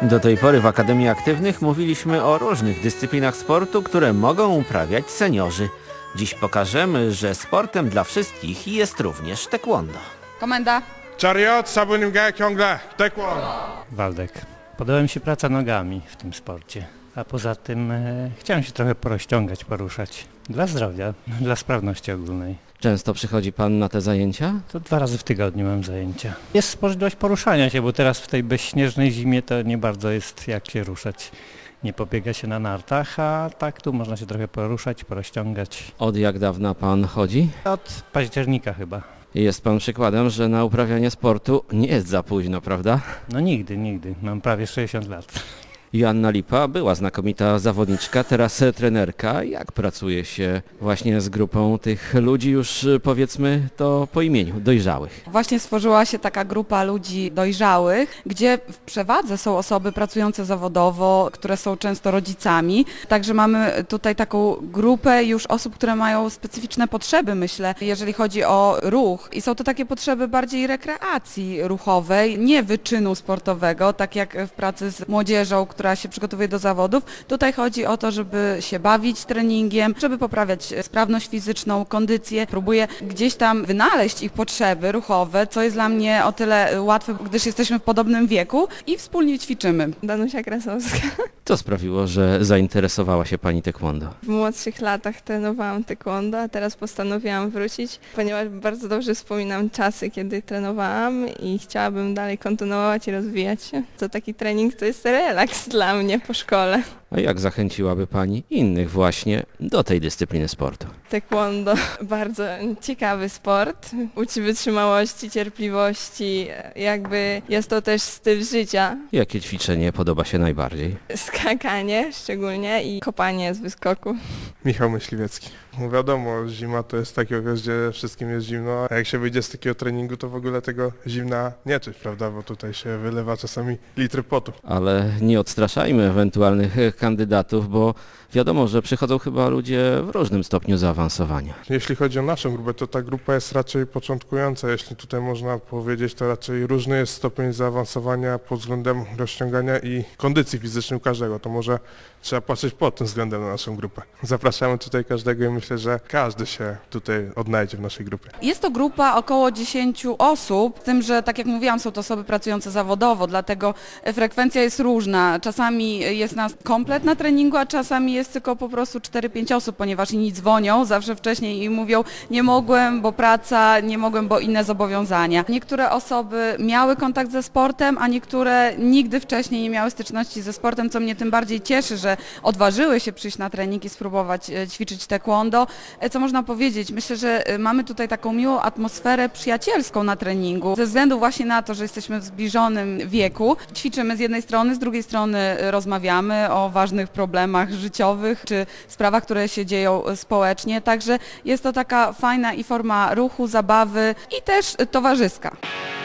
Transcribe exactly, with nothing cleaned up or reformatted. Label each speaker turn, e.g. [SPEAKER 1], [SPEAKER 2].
[SPEAKER 1] Do tej pory w Akademii Aktywnych mówiliśmy o różnych dyscyplinach sportu, które mogą uprawiać seniorzy. Dziś pokażemy, że sportem dla wszystkich jest również taekwondo.
[SPEAKER 2] Komenda.
[SPEAKER 3] Chariot, Sabunim ciągle, taekwondo.
[SPEAKER 4] Waldek. Podoba mi się praca nogami w tym sporcie, a poza tym e, chciałem się trochę porozciągać, poruszać. Dla zdrowia, dla sprawności ogólnej.
[SPEAKER 1] Często przychodzi pan na te zajęcia?
[SPEAKER 4] To dwa razy w tygodniu mam zajęcia. Jest możliwość poruszania się, bo teraz w tej bezśnieżnej zimie to nie bardzo jest jak się ruszać. Nie pobiega się na nartach, a tak tu można się trochę poruszać, porozciągać.
[SPEAKER 1] Od jak dawna pan chodzi?
[SPEAKER 4] Od października chyba.
[SPEAKER 1] Jest pan przykładem, że na uprawianie sportu nie jest za późno, prawda?
[SPEAKER 4] No nigdy, nigdy. Mam prawie sześćdziesiąt lat.
[SPEAKER 1] Joanna Lipa była znakomita zawodniczka, teraz trenerka. Jak pracuje się właśnie z grupą tych ludzi już powiedzmy to po imieniu, dojrzałych?
[SPEAKER 2] Właśnie stworzyła się taka grupa ludzi dojrzałych, gdzie w przewadze są osoby pracujące zawodowo, które są często rodzicami. Także mamy tutaj taką grupę już osób, które mają specyficzne potrzeby, myślę, jeżeli chodzi o ruch. I są to takie potrzeby bardziej rekreacji ruchowej, nie wyczynu sportowego, tak jak w pracy z młodzieżą, która się przygotowuje do zawodów. Tutaj chodzi o to, żeby się bawić treningiem, żeby poprawiać sprawność fizyczną, kondycję. Próbuję gdzieś tam wynaleźć ich potrzeby ruchowe, co jest dla mnie o tyle łatwe, gdyż jesteśmy w podobnym wieku i wspólnie ćwiczymy.
[SPEAKER 5] Danusia Krasowska.
[SPEAKER 1] Co sprawiło, że zainteresowała się pani taekwondo?
[SPEAKER 5] W młodszych latach trenowałam taekwondo, a teraz postanowiłam wrócić, ponieważ bardzo dobrze wspominam czasy, kiedy trenowałam i chciałabym dalej kontynuować i rozwijać się. To taki trening to jest relaks dla mnie po szkole.
[SPEAKER 1] A jak zachęciłaby pani innych właśnie do tej dyscypliny sportu?
[SPEAKER 5] Taekwondo bardzo ciekawy sport, uczy wytrzymałości, cierpliwości, jakby jest to też styl życia.
[SPEAKER 1] Jakie ćwiczenie podoba się najbardziej?
[SPEAKER 5] Skakanie szczególnie i kopanie z wyskoku.
[SPEAKER 3] Michał Myśliwiecki. No wiadomo, zima to jest taki okres, gdzie wszystkim jest zimno, a jak się wyjdzie z takiego treningu, to w ogóle tego zimna nie czuć, prawda, bo tutaj się wylewa czasami litry potu.
[SPEAKER 1] Ale nie odstraszajmy ewentualnych kandydatów, bo wiadomo, że przychodzą chyba ludzie w różnym stopniu zaawansowania.
[SPEAKER 3] Jeśli chodzi o naszą grupę, to ta grupa jest raczej początkująca, jeśli tutaj można powiedzieć, to raczej różny jest stopień zaawansowania pod względem rozciągania i kondycji fizycznej u każdego, to może trzeba patrzeć pod tym względem na naszą grupę. Zapraszamy tutaj każdego i myślę, że każdy się tutaj odnajdzie w naszej grupie.
[SPEAKER 2] Jest to grupa około dziesięciu osób, z tym, że tak jak mówiłam, są to osoby pracujące zawodowo, dlatego frekwencja jest różna. Czasami jest nas komplet na treningu, a czasami jest tylko po prostu cztery pięć osób, ponieważ inni dzwonią zawsze wcześniej i mówią, nie mogłem, bo praca, nie mogłem, bo inne zobowiązania. Niektóre osoby miały kontakt ze sportem, a niektóre nigdy wcześniej nie miały styczności ze sportem, co mnie tym bardziej cieszy, że odważyły się przyjść na trening i spróbować ćwiczyć taekwondo. Co można powiedzieć? Myślę, że mamy tutaj taką miłą atmosferę przyjacielską na treningu, ze względu właśnie na to, że jesteśmy w zbliżonym wieku. Ćwiczymy z jednej strony, z drugiej strony rozmawiamy o ważnych problemach życiowych, czy sprawach, które się dzieją społecznie, także jest to taka fajna i forma ruchu, zabawy i też towarzyska.